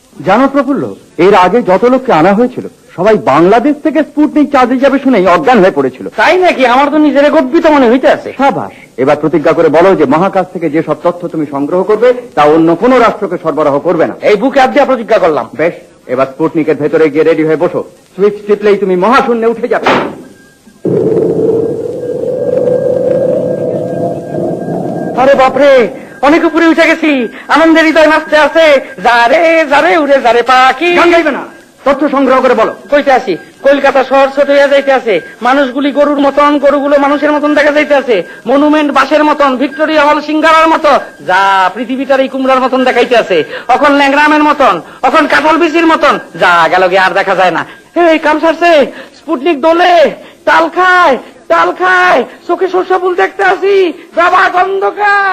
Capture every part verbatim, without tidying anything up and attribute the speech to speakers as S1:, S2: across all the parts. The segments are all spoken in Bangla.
S1: জানো প্রফুল্ল, এর আগে যত লোককে আনা হয়েছিল সবাই বাংলাদেশ থেকে স্পুটনিক চাঁদে যাবে শুনেই অজ্ঞান হয়ে পড়েছিল।
S2: তাই নাকি? আমার তো নিজের গর্বিত মনে হইতে আছে।
S1: সাবাস, এবার প্রতিজ্ঞা করে বলো যে মহাকাশ থেকে যে সব তথ্য তুমি সংগ্রহ করবে তা অন্য কোনো রাষ্ট্রকে সরবরাহ করবে না।
S2: এই বুকে হাত দিয়ে প্রতিজ্ঞা করলাম।
S1: বেশ, এবার স্পুটনিকের ভেতরে গিয়ে রেডি হয়ে বসো। সুইচ টিপলেই তুমি মহাশূন্যে উঠে যাবে।
S2: আরে বাপরে, অনেক উপরে উঠে গেছি। আনন্দের হৃদয় নাচতে আছে। যারে যারে উড়ে যারে পাখি।
S1: গান গাইবে না, তথ্য সংগ্রহ করে বলো।
S2: কইতে আসি, কলকাতা শহর ছোট হয়ে যাইতে আছে। মানুষগুলি গরুর মতন, গরুগুলো মানুষের মতন দেখা যাইতে আছে। মনুমেন্ট বাসের মতন, ভিক্টোরিয়া হল সিঙ্গারার মতো, যা পৃথিবীটার এই কুমড়ার মতন দেখাইতে আছে। এখন ল্যাংরামের মতন, এখন কাঁঠাল বিচির মতন, যা গেল গিয়ে আর দেখা যায় না। এই কাম সারছে, স্পুটনিক দোলে, তাল খায়, তাল খায়, চোখে সর্ষা ফুল দেখতে আসি। বাবা অন্ধকার,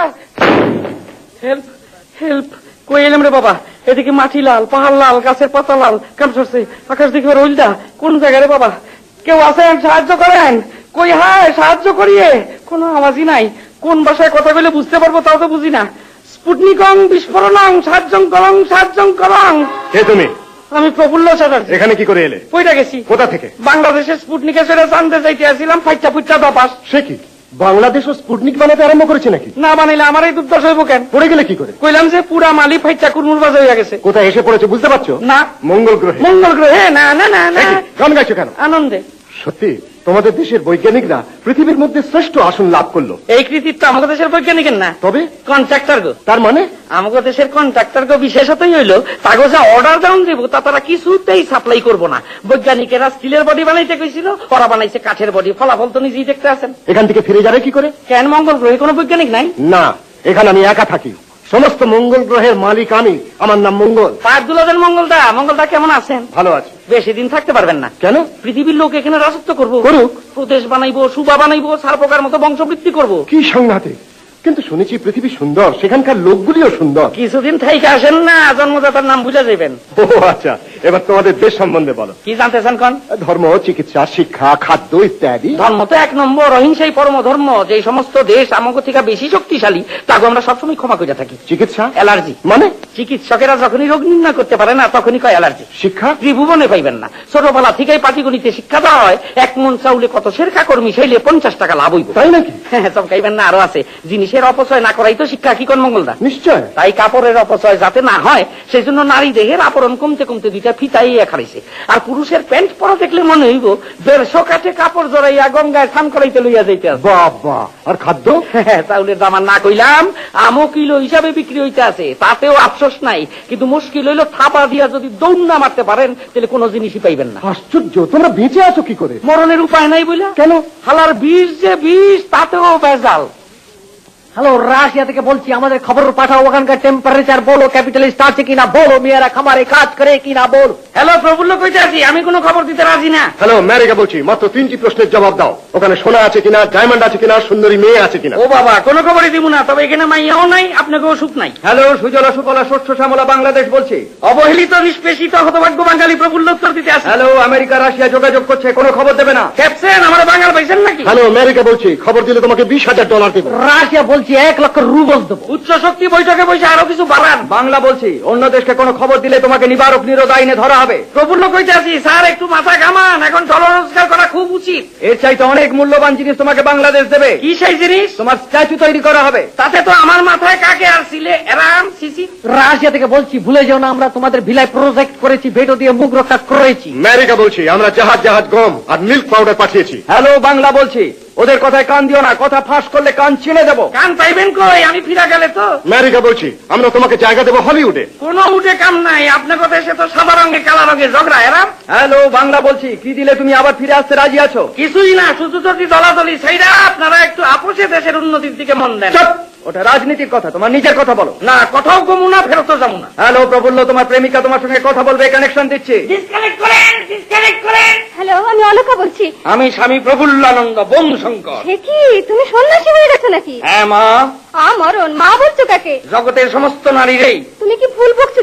S2: হেল্প হেল্প। কই এলাম রে বাবা? এদিকে মাটি লাল, পাহাড় লাল, গাছের পাতা লাল, কাম সরছে। আকাশ দেখে রইলদা কোন জায়গায় রে বাবা? কেউ আছেন? সাহায্য করেন। কই হায়, সাহায্য করিয়ে। কোনো আওয়াজই নাই। কোন ভাষায় কথা বলে বুঝতে পারবো তাও তো বুঝি না। স্পুটনিকং বিস্ফোরণং সাহায্যং করং সাহায্যং করং।
S1: কে তুমি?
S2: আমি প্রফুল্ল চ্যাটার্জি।
S1: এখানে কি করে এলে?
S2: কইটা গেছি।
S1: কোথা থেকে?
S2: বাংলাদেশের স্পুটনিকে সেরে জানতে চাইতে আসছিলাম। ফাইটা ফুইটা দপাস।
S1: সে কি, বাংলাদেশও স্পুটনিক বানাতে আরম্ভ করেছে নাকি?
S2: না বানাইলে আমার এই দুর্দশ হইব কেন?
S1: পড়ে গেলে কি করে?
S2: কইলাম যে পুরা মালি ফাইটা কুরমুর বাজে হয়ে গেছে।
S1: কোথায় এসে পড়েছে বুঝতে পারছো?
S2: না।
S1: মঙ্গল গ্রহে।
S2: মঙ্গল গ্রহে? না না না না।
S1: গান গাইছো কেন?
S2: আনন্দে।
S1: সত্যি তোমাদের দেশের বৈজ্ঞানিকরা পৃথিবীর মধ্যে শ্রেষ্ঠ আসন লাভ করলো।
S2: এই কৃতিত্ব আমাদের দেশের বৈজ্ঞানিকের না,
S1: তবে
S2: কন্ট্রাক্টর গো।
S1: তার মানে
S2: আমাদের দেশের কন্ট্রাক্টর গো বিশেষতই হইল তাগো যা অর্ডার ডাউন দিব তা তারা কিছুতেই সাপ্লাই করবো না। বৈজ্ঞানিকেরা স্টিলের বডি বানাইতে কইছিল, ওরা বানাইছে কাঠের বডি। ফলাফল তো নিজেই দেখতে আছেন।
S1: এখান থেকে ফিরে যাবে কি করে?
S2: কেন, মঙ্গল গ্রহে কোনো বৈজ্ঞানিক নাই?
S1: না, এখানে আমি একা থাকি। সমস্ত মঙ্গল গ্রহের মালিক আমি। আমার নাম মঙ্গল।
S2: পাঁচ দুলাদের মঙ্গলদা। মঙ্গলদা কেমন আছেন?
S1: ভালো আছে।
S2: বেশি দিন থাকতে পারবেন না।
S1: কেন?
S2: পৃথিবীর লোক এখানে রাজত্ব করবো।
S1: করুক।
S2: প্রদেশ বানাইবো, সুবা বানাইবো, সারপোকার মতো বংশবৃদ্ধি করবো।
S1: কি সাংঘাতিক! কিন্তু শুনেছি পৃথিবী সুন্দর, সেখানকার লোকগুলিও সুন্দর।
S2: কিছুদিন থাইকে আসেন না, জন্মদাতার নাম বুঝে যাবেন।
S1: ও আচ্ছা, এবার তোমাদের দেশ সম্বন্ধে বলো।
S2: কি জানতে চান কোন?
S1: ধর্ম, চিকিৎসা, শিক্ষা, খাদ্য ইত্যাদি।
S2: ধর্ম তো এক নম্বর, অহিংসাই পরম ধর্ম। যে সমস্ত দেশ আমাকে থেকে বেশি শক্তিশালী তাকে আমরা সবসময় ক্ষমা করে থাকি।
S1: চিকিৎসা?
S2: অ্যালার্জি।
S1: মানে?
S2: চিকিৎসকেরা যখনই রোগ নির্ণয় করতে পারে না তখনই কয় অ্যালার্জি।
S1: শিক্ষা?
S2: ত্রিভুবনে পাইবেন না। ছোটবেলা থেকেই পাটিগণিতে শিক্ষা দেওয়া হয়। এক মন চাউলে কত সের কাকর মিশাইলে পঞ্চাশ টাকা লাভ হইব।
S1: তাই নাকি?
S2: হ্যাঁ, চমকাইবেন না, আরো আছে। জিনিসের অপচয় না করাই তো শিক্ষা। কি কোন মঙ্গলদা?
S1: নিশ্চয়।
S2: তাই কাপড়ের অপচয় যাতে না হয় সেই জন্য নারী দেহের আবরণ কমতে কমতে দুইটা ফিতাই খাড়াইছে। আর পুরুষের প্যান্ট পরা দেখলে মনে হইব দেড়শো কাঠে কাপড় জড়াইয়া গঙ্গায় স্নান করাইতে লইয়া যাইতে আছে।
S1: বাবা! আর খাদ্য?
S2: চাউলের দাম আর না কইলাম, আমও কিলো হিসাবে বিক্রি হইতে আছে, তাতেও আফসোস নাই। কিন্তু মুশকিল হইল থাপা দিয়া যদি দৌড় না মারতে পারেন তাহলে কোনো জিনিসই পাইবেন না।
S1: আশ্চর্য! তোমরা বেঁচে আছো কি করে?
S2: মরণের উপায় নাই বইলা।
S1: কেন?
S2: হালার বিষ যে বিষ, তাতেও বেজাল।
S3: হ্যালো, রাশিয়া থেকে বলছি, আমাদের খবর পাঠাও। ওখানকার টেম্পারেচার বলো, ক্যাপিটালিস্ট আছে কিনা বলো, মেয়েরা খামারে কাজ করে কিনা বল।
S2: হ্যালো, প্রফুল্ল কইতে আছি। আমি কোনো খবর দিতে রাজি না।
S1: হ্যালো, আমেরিকা বলছি। মাত্র তিনটি প্রশ্নের জবাব দাও। ওখানে সোনা আছে কিনা, ডায়মন্ড আছে কিনা, সুন্দরী মেয়ে আছে কিনা?
S2: ও বাবা, কোনো খবরই দিব না। তবে এখানে মাইয়াও নাই, আপনাকেও সুখ নাই।
S1: হ্যালো, সুজলা সুফলা শস্য শ্যামলা বাংলাদেশ বলছি।
S2: অবহেলিত নিষ্পেষিত হতভাগ্য বাঙালি প্রফুল্ল উত্তর দিতে আসে।
S1: হ্যালো, আমেরিকা রাশিয়া যোগাযোগ করছে, কোনো খবর দেবে না।
S2: ক্যাপসেন, আমার বাঙাল পাইছেন নাকি?
S1: হ্যালো, আমেরিকা বলছি। খবর দিলে তোমাকে বিশ হাজার ডলার দেবো।
S3: রাশিয়া বলছি, এক লক্ষ রুবল দেবো।
S2: উচ্চ শক্তি বৈঠকে বসে আরো কিছু বাড়ান।
S1: বাংলা বলছি, অন্য দেশকে কোনো খবর দিলে তোমাকে নিবারক নিরোধ আইনে ধরা হবে।
S2: প্রফুল্ল কইতে আছি, স্যার একটু মাথা ঘামান। এখন ডলার রোজগার করা খুব উচিত।
S1: এর চাইতে অনেক মূল্যবান জিনিস তোমাকে বাংলাদেশ দেবে।
S2: কি সেই জিনিস?
S1: তোমার স্ট্যাচু তৈরি করা হবে।
S2: তাতে তো আমার মাথায় কাকে আর ছিলে এরাম সিসি।
S3: রাশিয়া থেকে বলছি, ভুলে যাও না, আমরা তোমাদের ভিলায় প্রজেক্ট করেছি, ভেটো দিয়ে মুখ রক্ষা করেছি।
S1: আমেরিকা বলছি, আমরা জাহাজ জাহাজ গম আর মিল্ক পাউডার পাঠিয়েছি। হ্যালো, বাংলা বলছি, ওদের কথায় কান দিও না। কথা ফাঁস করলে কান ছিঁড়ে দেবো।
S2: কান পাইবেন কই? আমি ফিরা গেলে তো।
S1: আমেরিকা বলছি, আমরা তোমাকে জায়গা দেবো হলিউডে।
S2: কোনো উঠে কাম নাই। আপনার কথা এসে তো সাদা রঙে কালা রঙে ঝগড়া এরাম।
S1: হ্যালো, বাংলা বলছি, কি দিলে তুমি আবার ফিরে আসতে রাজি আছো?
S2: কিছুই না, শুধু যদি দলাদলি সেইটা। আপনারা একটু আপোষে দেশের উন্নতির দিকে মন দেন।
S1: চুপ! ওটা রাজনীতির কথা, তোমার নিজের কথা বলো।
S2: না, কথাও কমু না, ফেরত যাবো না।
S1: হ্যালো, প্রফুল্ল, তোমার প্রেমিকা তোমার সঙ্গে কথা বলবে, কানেকশন দিচ্ছি।
S2: ডিসকানেক্ট করেন, ডিসকানেক্ট করেন।
S4: হ্যালো, আমি অলকা বলছি।
S2: আমি স্বামী প্রফুল্লানন্দ বং শঙ্কর।
S4: সে কি, তুমি সন্ন্যাসী হয়ে গেছো নাকি?
S2: হ্যাঁ মা।
S4: আ মরণ, মা বলছো কাকে?
S2: জগতের সমস্ত নারীরই।
S4: তুমি কি ভুল বকছো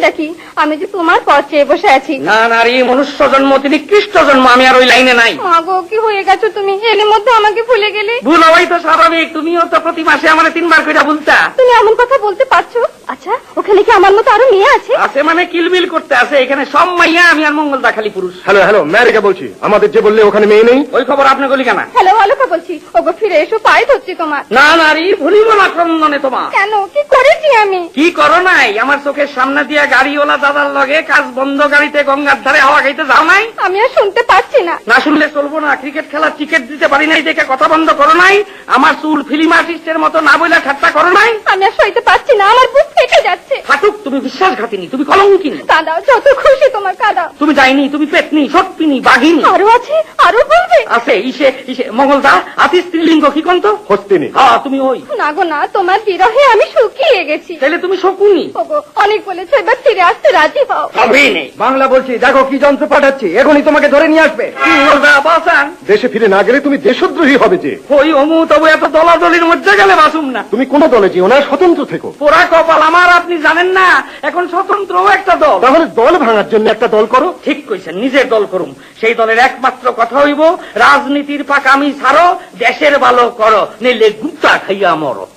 S4: হয়েছেটা কি? আমি যে তোমার পথ চেয়ে বসে আছি।
S2: না নারী, মনুষ্য জন্ম তিনি খ্রিস্ট জন্ম, আমি আর ওই লাইনে নাই।
S4: মাগো, কি হয়ে গেছো তুমি? এর মধ্যে আমাকে ভুলে গেলে।
S2: ভুল হওয়াই তো স্বাভাবিক, তুমিও তো প্রতি মাসে আমার তিনবার করে বলতা।
S4: তুমি এমন কথা বলতে পারছো? আচ্ছা, ওখানে কি আমার মতো আরো মেয়ে আছে?
S2: আছে মানে কিলবিল করতে আছে, এখানে সব মাইয়া, আমি আর মঙ্গলদা খালি পুরুষ।
S1: হ্যালো হ্যালো ম্যারিকা বলছি, আমাদের যে বললে ওখানে মেয়ে নেই।
S2: ওই খবর আপনি বলি কেন?
S4: হ্যালো, অলকা বলছি। ওগো, ফিরে এসো, পায়ে ধরছি তোমার।
S2: না নারী, ভুলিব না ক্রন্দনে তোমার।
S4: কেন, কি করেছি আমি?
S2: কি করো নাই? আমার চোখের সামনে দিয়া গাড়িওয়ালা দাদার লগে কাজ বন্ধ গাড়িতে গঙ্গার ধারে হাওয়া খাইতে যাও নাই?
S4: আমি আর শুনতে পাচ্ছি না।
S2: না শুনলে চলবো না। ক্রিকেট খেলার টিকিট দিতে পারি নাই দেখে কথা বন্ধ করো নাই? আমার চুল ফিল্ম আর্টিস্টের মতো না বইলা ঠাট্টা করো নাই?
S4: আমি আর সইতে পারছি না, আমার বুক ফেটে যাচ্ছে।
S2: ফাটুক, তুমি বিশ্বাসঘাতিনী, তুমি কলঙ্কিনী।
S4: কাঁদাও, যত খুশি তোমার কাঁদাও।
S2: তুমি যাইনি, তুমি পেতনি, সত্যিনি, বাঘিনী।
S4: আরো আছে, আরো বলবে?
S2: আছে ইসে ইসে মঙ্গলদা, আতি স্ত্রীলিঙ্গ কি কন্ত?
S1: হস্তিনী।
S2: হ্যাঁ, তুমি ওই।
S4: না গো না, তোমার বিরহে আমি শুকিয়ে গেছি।
S2: তাহলে তুমি শকুনি।
S4: ওগো, অনেক বলেছো, এবার ফিরে আসতে রাজি হও।
S2: সবই নেই।
S3: বাংলা বলছি, দেখো কি যন্ত্র পাঠাচ্ছি, এখনই তোমাকে ধরে নিয়ে আসবে।
S2: মঙ্গলদা বাসান,
S1: দেশে ফিরে না গেলে তুমি দেশদ্রোহী হবে যে।
S2: ওই অমু তবু এত দলাদলির মধ্যে গেলে বাসুম না।
S1: তুমি কোনো দলে যেও না, স্বতন্ত্র থেকো।
S2: পোড়া কপাল আমার, আপনি জানেন না এখন স্বতন্ত্রও একটা দল।
S1: তাহলে দল ভাঙার জন্য একটা দল করো।
S2: ঠিক কইছেন, নিজের দল করুম। সেই দলের একমাত্র কথা হইব, রাজনীতির পাকামি ছাড়ো, দেশের ভালো করো, নইলে গুপ্তা খাইয়া মরো।